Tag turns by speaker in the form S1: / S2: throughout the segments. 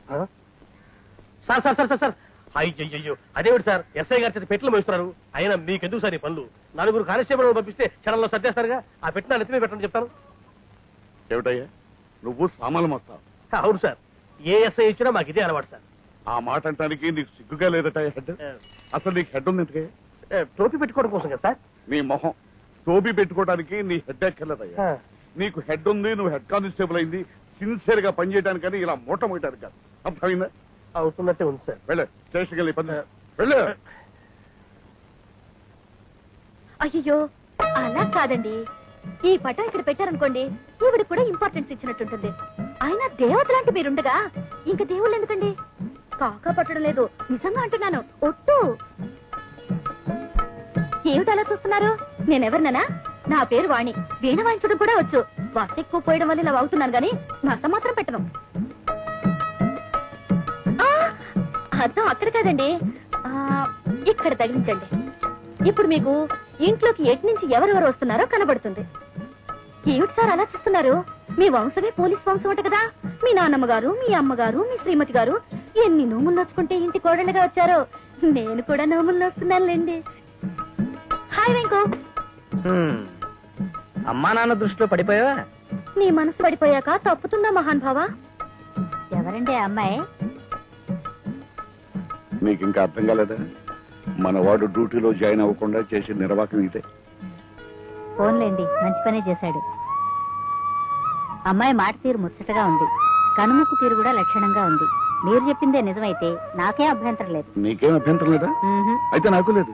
S1: Sir sir sir sir sir అయ్యో అదేమిటి sir SI గారి చేత పెట్లు మోస్తున్నారు. అయినా మీకెందుకు సార్ ఈ పనులు? 4 కానిస్టేబుల్ పంపిస్తే క్షణంలో సర్దేస్తారుగా. ఆ పెట్టిన నెత్తిమీ పెట్టండి చెప్తాను.
S2: ఏమిటయ్యా నువ్వు సామాన్లు మోస్తావు?
S1: అవును సార్, ఏ ఎస్ఐ ఇచ్చినా మాకు ఇదే అలవాటు సార్.
S2: ఆ మాట అంటానికి నీకు సిగ్గుగా లేదట హెడ్? అసలు నీకు హెడ్ ఉంది ఎందుకే?
S1: టోపీ పెట్టుకోవడం కోసం కదా సార్.
S2: నీ మొహం టోపీ పెట్టుకోవడానికి నీ హెడ్ ఎక్కర్లేదయ్యా. నీకు హెడ్ ఉంది, నువ్వు హెడ్ కానిస్టేబుల్ అయింది సిన్సియర్ గా పనిచేయడానికని ఇలా మూట మోయడానికి కాదు. అర్థమైందా?
S1: అవుతున్నట్టే ఉంది సార్.
S2: వెళ్ళే స్టేషన్కి వెళ్ళి పని వెళ్ళు.
S3: అయ్యో అలా కాదండి, ఈ పటం ఇక్కడ పెట్టారనుకోండి ఈవిడ కూడా ఇంపార్టెన్స్ ఇచ్చినట్టుంటుంది. అయినా దేవతలాంటి మీరుండగా ఇంక దేవుళ్ళు ఎందుకండి? కాకా పట్టడం లేదు, నిజంగా అంటున్నాను. ఒట్టు. ఏమిటి అలా చూస్తున్నారు? నేనెవరిననా? నా పేరు వాణి. వీణ వాయించడం కూడా వచ్చు. బస్ ఎక్కువ పోయడం వల్ల ఇలా అవుతున్నాను గాని నష్టం మాత్రం పెట్టను. అర్థం అక్కడ కాదండి, ఇక్కడ తగిలించండి. ఇప్పుడు మీకు ఇంట్లోకి ఎటు నుంచి ఎవరెవరు వస్తున్నారో కనబడుతుంది. ఏమిటి సార్ అలా చూస్తున్నారు? మీ వంశమే పోలీస్ వంశం అంట కదా. మీ నాన్నమ్మ గారు, మీ అమ్మగారు, మీ శ్రీమతి గారు ఎన్ని నోములు నోచుకుంటే ఇంటి కోడలుగా వచ్చారో. నేను కూడా నోములు నోస్తున్నానులేండి. హాయ్ వెంకు.
S1: అమ్మా నాన్న దృష్టిలో పడిపోయావా?
S3: నీ మనసు పడిపోయాక తప్పుతుందా మహాన్ భావా? ఎవరండి ఆ అమ్మాయి?
S2: నీకు ఇంకా అర్థం కాలేదా? మన వాడు డ్యూటీలో జాయిన్ అవ్వకుండా చేసే నిర్వాహకం ఇదే.
S3: ఫోన్లేండి, మంచి పనే చేశాడు. అమ్మాయి మాట తీరు ముచ్చటగా ఉంది, కనుముక్కు తీరు కూడా లక్షణంగా ఉంది. మీరు చెప్పిందే నిజమైతే నాకేం అభ్యంతరం లేదు.
S2: నీకేం అభ్యంతరం లేదా? అయితే నాకు లేదు.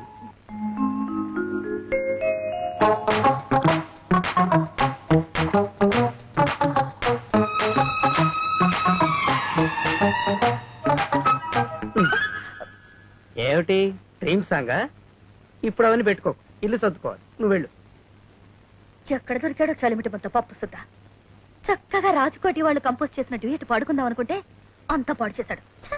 S1: ఏమిటి డ్రీమ్ సాంగా? ఇప్పుడు అవన్నీ పెట్టుకో, ఇల్లు సర్దుకోవాలి. నువ్వు వెళ్ళు.
S3: ఎక్కడ దొరికాడో చలిమిటి మొత్తం పప్పు సుద్దా. చక్కగా రాజకోటి వాళ్ళు కంపోజ్ చేసిన డ్యూయట్ పాడుకుందాం అనుకుంటే అంత పాడు చేశాడు.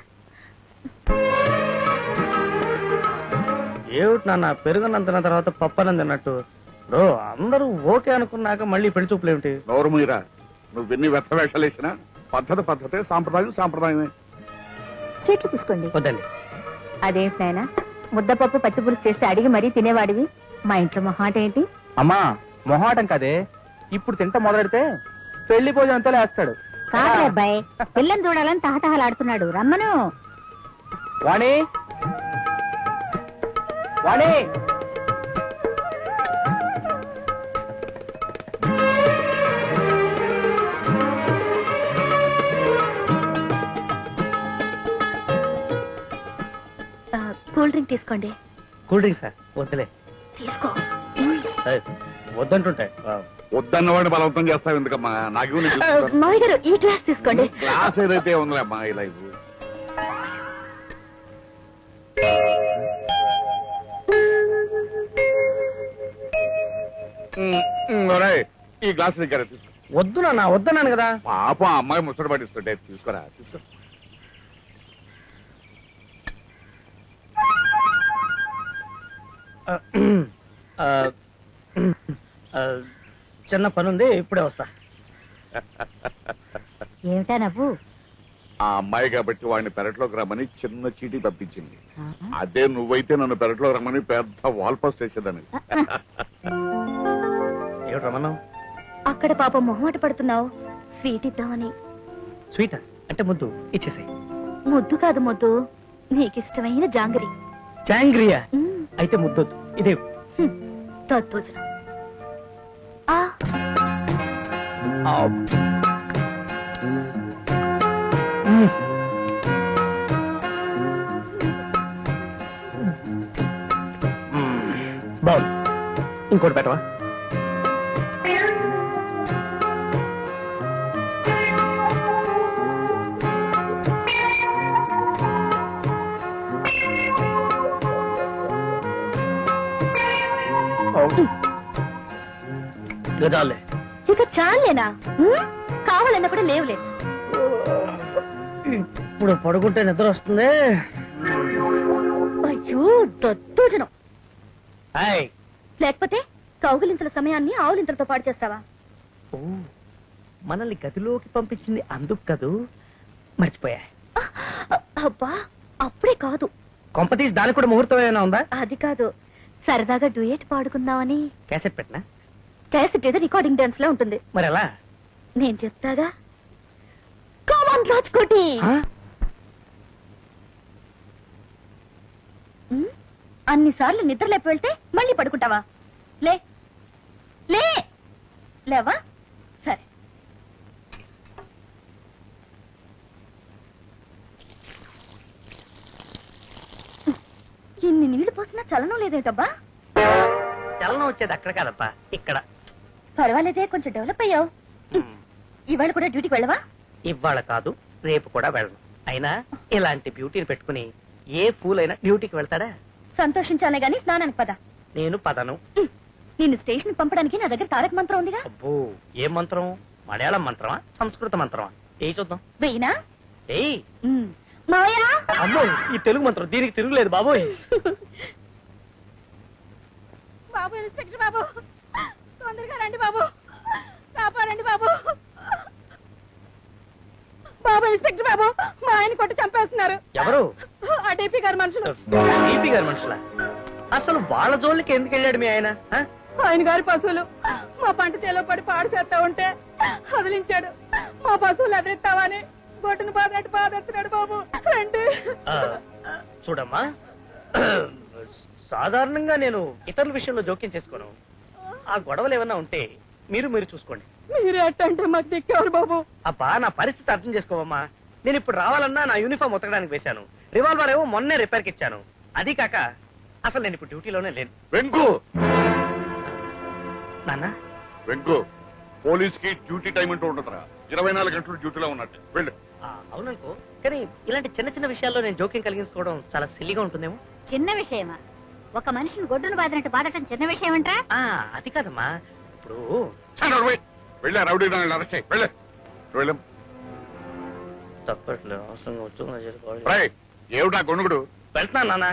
S1: ఏమిటి నాన్న పెరుగునందున తర్వాత పప్పనంది అన్నట్టు? అందరూ ఓకే అనుకున్నాక మళ్ళీ పెళ్లి చూపులు ఏమిటి?
S2: నోరు మీరా, నువ్వెన్ని వ్యర్థ వేషాలు వేసినా పద్ధతే, సాంప్రదాయమే.
S3: స్వీట్లు తీసుకోండి.
S1: వద్దండి.
S3: అదేంటి నాయనా, ముద్దపప్పు పచ్చి పులుసు చేస్తే అడిగి మరీ తినేవాడివి. మా ఇంట్లో మొహాట ఏంటి?
S1: అమ్మా మొహాటం కదే, ఇప్పుడు తింట మొదలెడితే పెళ్లి భోజనంతో లేస్తాడు.
S3: కాదు అబ్బాయి, పిల్లని చూడాలని తహతహలాడుతున్నాడు. రమ్మను.
S1: వాణి వాణి
S3: కూల్ డ్రింక్ తీసుకోండి.
S1: Cool drink sir? వద్దులే.
S3: తీసుకో.
S1: వద్దంటుంటాయి.
S2: వద్దన్నవాడిని బలవంతం చేస్తావు ఎందుకమ్మా? నాకు
S3: మావి గారు ఈ గ్లాస్ తీసుకోండి.
S2: గ్లాస్ ఏదైతే ఉందిలే అమ్మా. ఇలా ఈ గ్లాస్ దగ్గర తీసుకో.
S1: వద్దు నాన్న, వద్దన్నాను కదా.
S2: పాపం అమ్మాయి ముచ్చట పట్టిస్తుంటే తీసుకోరా. తీసుకో.
S1: చిన్న పనుంది, ఇప్పుడే వస్తా.
S3: ఏమిటా నవ్వు?
S2: ఆ అమ్మాయి కాబట్టి వాడిని పెరట్లోకి రమ్మని చిన్న చీటీ పంపించింది. అదే నువ్వైతే నన్ను పెరట్లోకి రమ్మని పెద్ద వాల్ పోస్ట్ వేసేదాన్ని.
S1: ఏమిటి రమ్మన్నావు?
S3: అక్కడ పాపం మొహమాట పడుతున్నావు, స్వీట్ ఇద్దామని.
S1: స్వీటా? అంటే ముద్దు ఇచ్చేసాయి.
S3: ముద్దు కాదు, ముద్దు నీకిష్టమైన జాంగరి.
S1: జాంగ్రియా? అయితే ముద్దొద్దు, ఇదే
S3: తద్దోజనం.
S1: బాగుంది, ఇంకోటి పెట్టవా? చాలే.
S3: ఇక చాలేనా? కావాలన్నా కూడా లేవులే.
S1: ఇప్పుడు పడుకుంటే నిద్ర వస్తుంది.
S3: అయ్యో దద్దోజనం. లేకపోతే కౌగులింతల సమయాన్ని ఆవులింతలతో పాడు చేస్తావా?
S1: మనల్ని గదిలోకి పంపించింది అందుకు కదూ, మర్చిపోయా.
S3: అబ్బా అప్పుడే కాదు.
S4: కొంపతీసి దానికి కూడా ముహూర్తం ఏమైనా ఉందా?
S3: అది కాదు, సరదాగా డ్యూయట్ పాడుకుందామని.
S4: క్యాసెట్ పెట్టినా?
S3: క్యాసెట్ ఏదో రికార్డింగ్ డాన్స్ లో ఉంటుంది.
S4: మరి ఎలా?
S3: నేను చెప్తాగా. కామన్ రాజ్కోటి. అన్నిసార్లు నిద్ర లేపి వెళ్తే మళ్ళీ పడుకుంటావా? లే లే లేవా? సరే. ఇన్ని నీళ్లు పోసినా చలనం లేదేటబ్బా?
S4: చలనం వచ్చేది అక్కడ కాదప్పా, ఇక్కడ.
S3: పర్వాలేదే, కొంచెం డెవలప్ అయ్యావు. ఇవాళ కూడా డ్యూటీకి వెళ్ళవా?
S4: ఇవాళ కాదు, రేపు కూడా వెళ్ళను. అయినా ఇలాంటి బ్యూటీని పెట్టుకుని ఏ ఫూల్ అయినా డ్యూటీకి వెళ్తాడా?
S3: సంతోషించాలే గాని స్నానానికి పద.
S4: నేను పదను.
S3: నిన్ను స్టేషన్ పంపడానికి నా దగ్గర తారక మంత్రం ఉందిగా.
S4: అబ్బో, ఏ మంత్రం? మలయాళం మంత్రమా, సంస్కృత మంత్రమా? ఏ చూద్దాం.
S3: వెయ్యినా?
S4: ఏయ్
S3: మాయా.
S1: అమ్మో, ఈ తెలుగు మంత్రం దీనికి తిరుగులేదు బాబోయ్.
S3: బాబు, ఇన్స్పెక్టర్ బాబు, తొందరగా రండి బాబు, కాపాడండి బాబు. బాబు, ఇన్స్పెక్టర్ బాబు, మా ఆయన కొట్టి చంపేస్తున్నారు.
S4: ఎవరు?
S3: ఆ డీపీ గారి మనుషులు.
S4: డీపీ గారి మనుషులా? అసలు వాళ్ళ జోలికి ఎందుకు వెళ్ళాడు మీ ఆయన?
S3: ఆయన గారి పశువులు మా పంట చేలో పడి పాడు చేస్తా ఉంటే వదిలించాడు. మా పశువులు ఎదిరిస్తావని గొడ్డును బాధట్టు బాధేస్తున్నాడు బాబు. రండి.
S4: చూడమ్మా, సాధారణంగా నేను ఇతరుల విషయంలో జోక్యం చేసుకోను. ఆ గొడవలు ఏమన్నా ఉంటే మీరు చూసుకోండి.
S3: మీరు ఎట్టంటే మాకు దిక్కేవారు బాబు.
S4: అబ్బా, నా పరిస్థితి అర్థం చేసుకోవమ్మా. నేను ఇప్పుడు రావాలన్నా నా యూనిఫామ్ ఉతకడానికి వేశాను. రివాల్వర్ ఏమో మొన్నే రిపేర్కి ఇచ్చాను. అది కాక అసలు నేను ఇప్పుడు డ్యూటీలోనే లేను.
S2: వెంకు,
S4: నాన్న.
S2: వెంకు, పోలీస్ కి డ్యూటీ టైం అంటూ ఉండదురా. 24 గంటలు డ్యూటీలో ఉన్నట్టు వెళ్ళు.
S4: అవుననుకో, కానీ ఇలాంటి చిన్న చిన్న విషయాల్లో నేను జోక్యం కలిగించుకోవడం చాలా సిల్లిగా ఉంటుందేమో.
S3: చిన్న విషయమా? ఒక మనిషిని గొడ్డును బాధినట్టు బాధటం చిన్న విషయం అంటా?
S4: అది కాదమ్మా, ఇప్పుడు
S2: వెళ్ళా రౌడీ అరెస్ట్ చేయి. వెళ్ళే వెళ్ళం.
S4: తప్పట్లేదు, అవసరంగా వచ్చు.
S2: ఏమిటా గొనుగుడు?
S4: వెళ్తున్నాను నాన్న.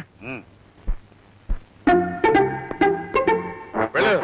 S2: వెళ్ళు.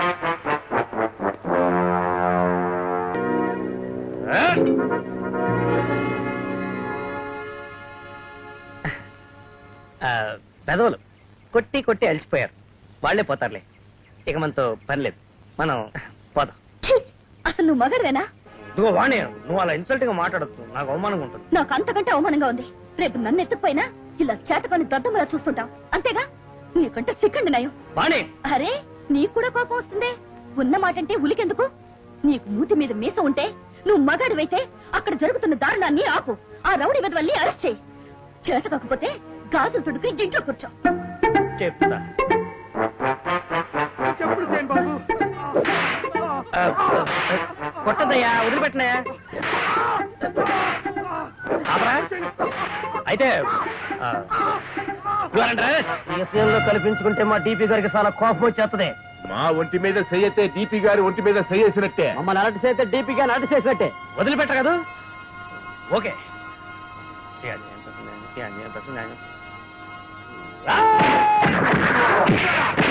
S4: పెదవులు కొట్టి కొట్టి అలసిపోయారు. వాళ్లే పోతారులే, ఇక మనతో పని లేదు. మనం పోదాం.
S3: అసలు నువ్వు మగడవేనా?
S4: ఇదిగో వాణి, నువ్వు అలా ఇన్సల్ట్ గా మాట్లాడద్దు, నాకు అవమానంగా ఉంటుంది.
S3: నాకు అంతకంటే అవమానంగా ఉంది. రేపు నన్ను ఎత్తుకుపోయినా ఇలా చేతకొని దద్దమలా చూస్తుంటావు, అంతేగా? నీకంటే సిక్కండి నయం.
S4: వాణి,
S3: అరే, నీకు కూడా కోపం వస్తుందే. ఉన్న మాటంటే ఉలికెందుకు? నీకు మూతి మీద మీస ఉంటే, నువ్వు మగాడివైతే అక్కడ జరుగుతున్న దారుణాన్ని ఆపు. ఆ రౌడీ వెదవల్ని అరెస్ట్ చేయి. చేత కాకపోతే గాజులు తుడుకుని ఇంట్లో కూర్చో.
S4: చెప్తా. కొట్టదయ్యా, వదిలిపెట్టినాయా? అయితే
S1: విషయంలో కల్పించుకుంటే మా డీపీ గారికి చాలా కోపం వచ్చేస్తుంది. మా ఒంటి మీద చెయ్యతే డీపీ గారి ఒంటి మీద చెయ్యేసినట్టే.
S4: మమ్మల్ని అలర్ట్ చేస్తే డీపీ గారిని అలర్ట్ చేసినట్టే.
S1: వదిలిపెట్ట కదా. ఓకే.
S4: ఆ